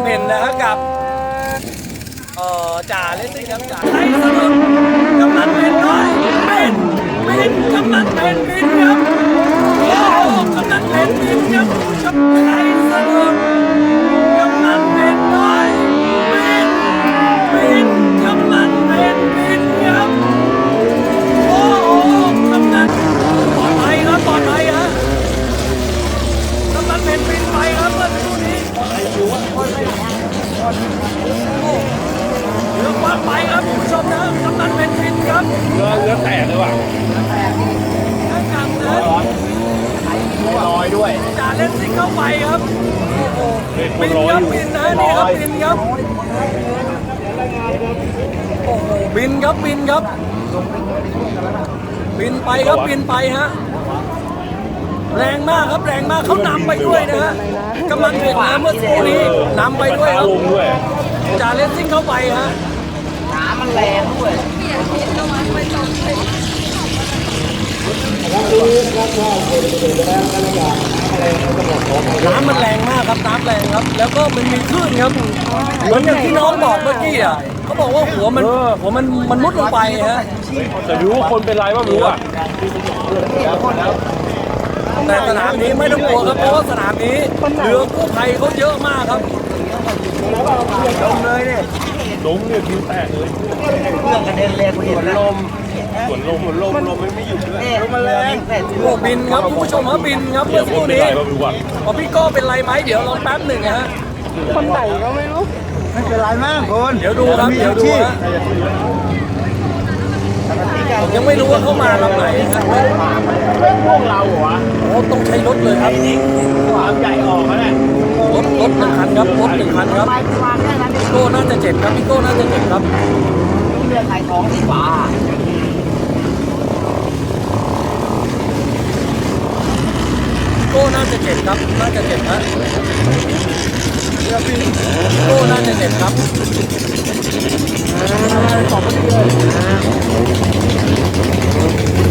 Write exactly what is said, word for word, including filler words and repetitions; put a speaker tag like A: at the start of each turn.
A: พ็ญนะฮะกับเอ่อจ่าเลสซิ่งครับจ่าไทยเสมอกำนันเพ็ญน้อยเป็นเป็นกำนันเพ็ญเป็นครับโอ้โหกำนันเพ็ญเป็นครับผู้ชมไทยเสมอกำนันเพ็ญน้อยเป็นเป็นกำนันเพ็ญเป็นครับโอ้โหกำนันปลอดภัยครับปลอดภัยฮะกำนันเพ็ญเป็นไปครับเมื่อสักครู่นี้เรือคว้างไปครับคุณผู้ชมนะกำนันเป็นฟินครับ
B: เรือเรือแตกเลยว่ะ
A: ข้างกลางนะ
B: ลอยด้วย
A: จ่าเล่นซิงเข้าไปครับโอ้โห
B: เป็นค
A: บิ
B: น
A: น
B: ลอย
A: ครั
B: อบ ยู่
A: บินนะนี่ครับบินครับโอ้โหบินครับบินครับบินไปครับบินไปฮะแรงมากครับแรงมากเขานำไปด้วยนะฮะกำลังเห็นนะเมื่อสักครู่นี้นำไปด้วยครับ
B: ลงด้วย
A: จ่าเล่นซิงเข้าไปฮะ
C: น้ำมันแรงด้วย
A: น้ำมันแรงมากครับน้ำแรงครับ แล้วก็มันมีคลื่นครับเหมือนอย่างที่น้องบอกเมื่อกี้อ่ะเขาบอกว่าหัวมันหัวมันมันมุดลงไปฮะ
B: แต่รู้ว่าคนเป็นไรบ้างรู้อ่ะ
A: แต่สนามนี้ไม่ต้องกลัวครับเพราะว่าสนามนี้เรือกู้ภัยเขาเยอะมากครับ
C: ลงเลยเนี่ย
B: ลงเนี่ยคิวแตกเลย
C: เครื่องกระเด็นเลยคุณเห็นลม
B: สวนลมสวนลมลมมันไม่หยุดด้วย
C: เนี่ยลมมันแรงแต่
A: โอ้บินครับคุณผู้ชมครับบินครับ
B: เดี๋
A: เมื่
B: ย
A: อ
B: ว
A: สัก
B: ค
A: คน รู่
B: เป็น
A: นี้
B: ไรบ้างรู้อ่ะ
A: พอพี่โก้เป็นไรไหมเดี๋ยวลองแป๊บหนึ่งนะฮะ
C: ไม่เป็นไรมากคุณ
A: เดี๋ยวดูครับเดี๋ยวดูฮะผมยังไม่รู้ว่าเขามาลำไหนฮะ
B: พวกเราเหรอ
A: โอ้ต้องใช้รถเลยครับ
B: ความใหญ่ออกแล้วแหละ
A: รถรถหนึ่งคันครับรถหนึ่งคันครับ
C: ไปวางแค่นั้น
A: พี่โก้น่าจะเจ็บครับพี่โก้น่าจะเจ็บครับ
C: เรือไทยท้องที่ฝา
A: พี่โก้น่าจะเจ็บครับน่าจะเจ็บฮะพี่โก้น่าจะเจ็บครับขอบคุณเลย